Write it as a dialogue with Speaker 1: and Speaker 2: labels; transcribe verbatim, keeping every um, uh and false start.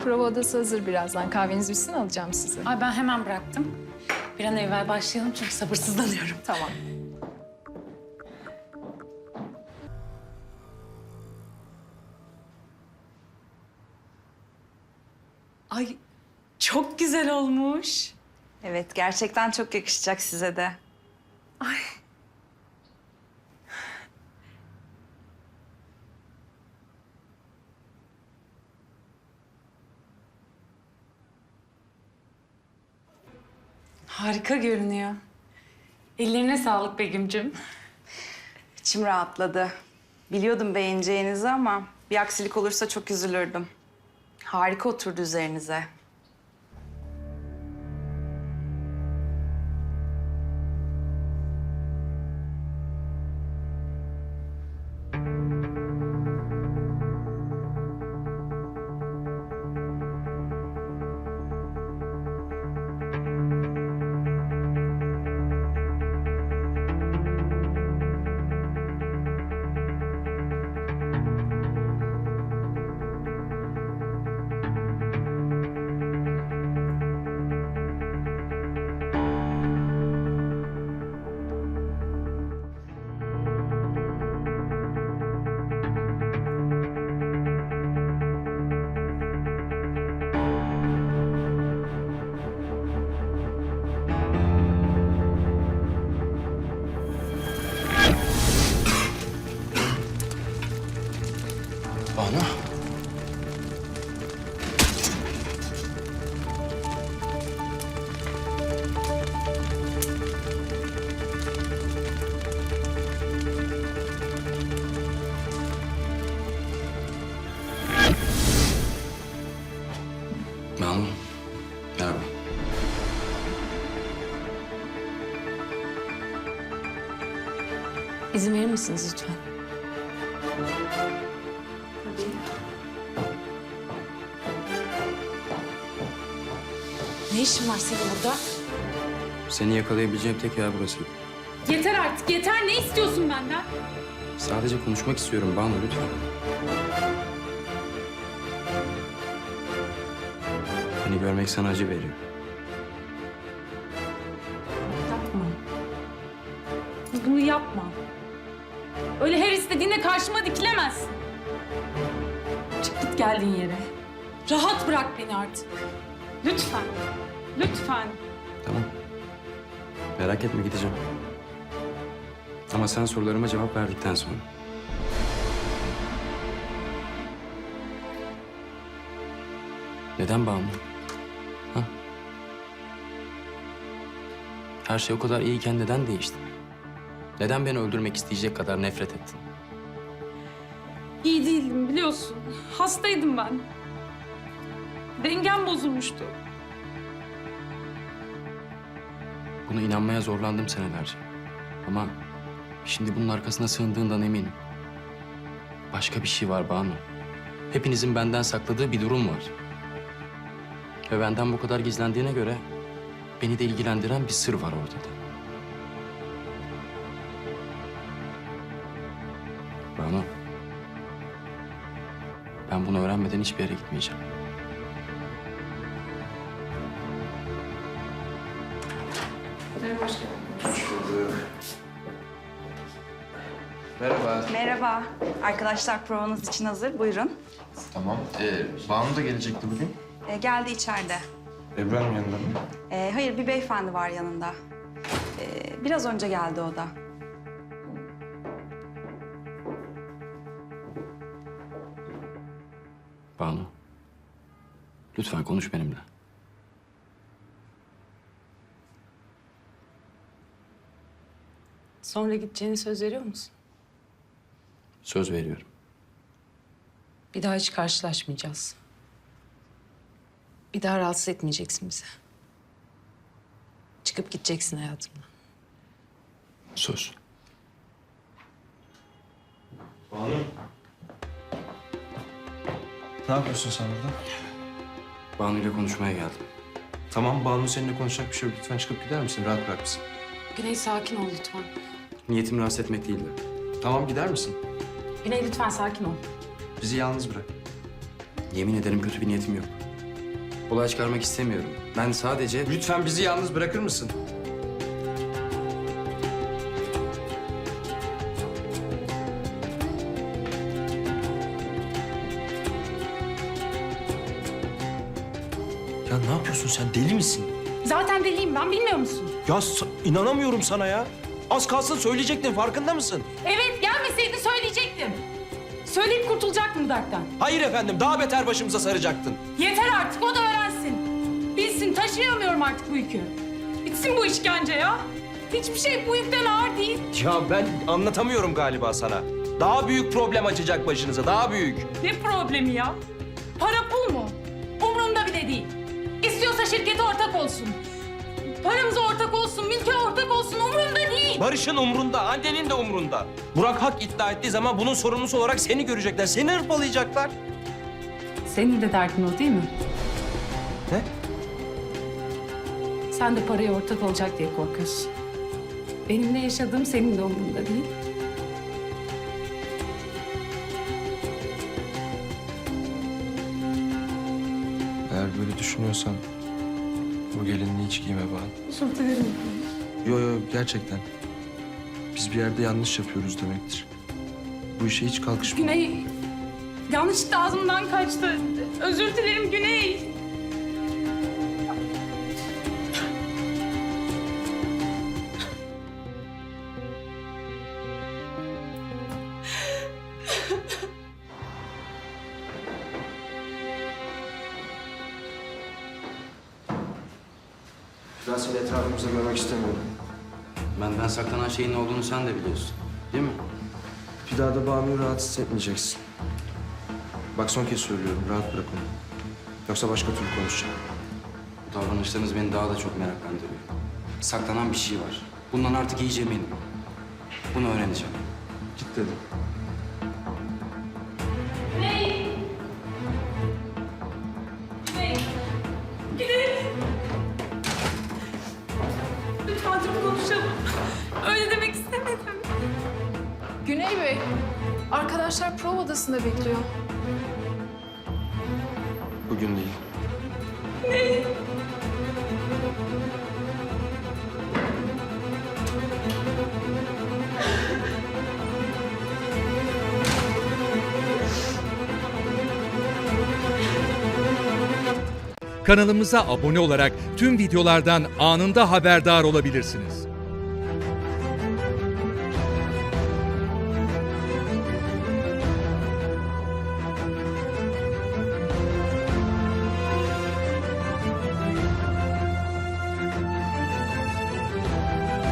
Speaker 1: Prova odası hazır birazdan. Kahveniz bitsin alacağım sizi.
Speaker 2: Ay ben hemen bıraktım. Bir an evvel başlayalım çünkü sabırsızlanıyorum.
Speaker 1: Tamam.
Speaker 2: Ay çok güzel olmuş.
Speaker 3: Evet, gerçekten çok yakışacak size de.
Speaker 2: Ay. Harika görünüyor. Ellerine sağlık Begüm'cüm.
Speaker 3: İçim rahatladı. Biliyordum beğeneceğinizi ama bir aksilik olursa çok üzülürdüm. Harika oturdu üzerinize.
Speaker 4: Banu. Banu. Merhaba.
Speaker 2: İzin verir misiniz lütfen? Ne işin var senin burada?
Speaker 4: Seni yakalayabileceğim tek yer burası.
Speaker 2: Yeter artık, yeter. Ne istiyorsun benden?
Speaker 4: Sadece konuşmak istiyorum Banu, lütfen. Beni görmek sana acı veriyor.
Speaker 2: Yapma. Bunu yapma. Öyle her istediğinde karşıma dikilemezsin. Çık git geldiğin yere. Rahat bırak beni artık. Lütfen. Lütfen.
Speaker 4: Tamam. Merak etme, gideceğim. Ama sen sorularıma cevap verdikten sonra. Neden Banu? Ha? Her şey o kadar iyiyken neden değişti? Neden beni öldürmek isteyecek kadar nefret ettin?
Speaker 2: İyi değildim biliyorsun. Hastaydım ben. Dengem bozulmuştu.
Speaker 4: Buna inanmaya zorlandım senelerce. Ama şimdi bunun arkasına sığındığından eminim. Başka bir şey var Banu. Hepinizin benden sakladığı bir durum var. Ve benden bu kadar gizlendiğine göre beni de ilgilendiren bir sır var ortada. Banu, ben bunu öğrenmeden hiçbir yere gitmeyeceğim.
Speaker 5: Merhaba.
Speaker 3: Merhaba. Arkadaşlar provanız için hazır. Buyurun.
Speaker 5: Tamam. Ee, Banu da gelecekti bugün.
Speaker 3: Ee, geldi içeride.
Speaker 5: Ebrar mı yanında mı?
Speaker 3: Ee, hayır, bir beyefendi var yanında. Ee, biraz önce geldi o da.
Speaker 4: Banu, lütfen konuş benimle.
Speaker 2: Sonra gideceğini söz veriyor musun?
Speaker 4: Söz veriyorum.
Speaker 2: Bir daha hiç karşılaşmayacağız. Bir daha rahatsız etmeyeceksin bizi. Çıkıp gideceksin hayatımdan.
Speaker 4: Söz.
Speaker 5: Banu. Ne yapıyorsun sen burada?
Speaker 4: Banu ile konuşmaya geldim.
Speaker 5: Tamam, Banu seninle konuşacak bir şey yok. Lütfen çıkıp gider misin? Rahat bırak bizi.
Speaker 2: Güney sakin ol lütfen.
Speaker 4: Niyetim rahatsız etmek değildi.
Speaker 5: Tamam, gider misin?
Speaker 2: Güney lütfen sakin ol.
Speaker 5: Bizi yalnız bırak.
Speaker 4: Yemin ederim kötü bir niyetim yok. Olay çıkarmak istemiyorum. Ben sadece...
Speaker 5: Lütfen bizi yalnız bırakır mısın? Ya ne yapıyorsun sen? Deli misin?
Speaker 2: Zaten deliyim ben, bilmiyor musun?
Speaker 5: Ya sa- inanamıyorum sana ya. Az kalsın söyleyecektin, farkında mısın?
Speaker 2: Evet, gelmeseydi söyleyecektim. Söyleyip kurtulacaktım bu dertten.
Speaker 5: Hayır efendim, daha beter başımıza saracaktın.
Speaker 2: Yeter artık, o da öğrensin. Bilsin, taşıyamıyorum artık bu yükü. Bitsin bu işkence ya. Hiçbir şey bu yükten ağır değil.
Speaker 5: Ya ben anlatamıyorum galiba sana. Daha büyük problem açacak başınıza, daha büyük.
Speaker 2: Ne problemi ya? Para pul mu? Umurumda bile değil. İstiyorsa şirkete ortak olsun. Paramıza ortak olsun, mülke ortak olsun, umurumda değil.
Speaker 5: Barış'ın umrunda, annenin de umrunda. Burak hak iddia ettiği zaman bunun sorumlusu olarak seni görecekler, seni hırpalayacaklar.
Speaker 2: Senin de derdin o değil mi?
Speaker 5: Ne?
Speaker 2: Sen de paraya ortak olacak diye korkuyorsun. Benim ne yaşadığım senin de umurunda değil.
Speaker 5: Eğer böyle düşünüyorsan bu gelinliği hiç giyme bana.
Speaker 2: Özür dilerim.
Speaker 5: Yo yo gerçekten. Biz bir yerde yanlış yapıyoruz demektir. Bu işe hiç kalkışma.
Speaker 2: Güney, yanlışlıkla ağzımdan kaçtı. Özür dilerim Güney.
Speaker 5: Ben seni etrafımızda görmek istemiyorum.
Speaker 4: Benden saklanan şeyin ne olduğunu sen de biliyorsun. Değil mi?
Speaker 5: Bir daha da Banu'yu rahatsız etmeyeceksin. Bak son kez söylüyorum, rahat bırak onu. Yoksa başka türlü konuşacağım.
Speaker 4: Bu davranışlarınız beni daha da çok meraklandırıyor. Saklanan bir şey var. Bundan artık iyice eminim. Bunu öğreneceğim.
Speaker 5: Git dedim.
Speaker 2: Lütfen dur konuşalım. Öyle demek istemedim.
Speaker 1: Güney Bey, arkadaşlar prova odasında bekliyor.
Speaker 5: Bugün değil.
Speaker 6: Kanalımıza abone olarak tüm videolardan anında haberdar olabilirsiniz.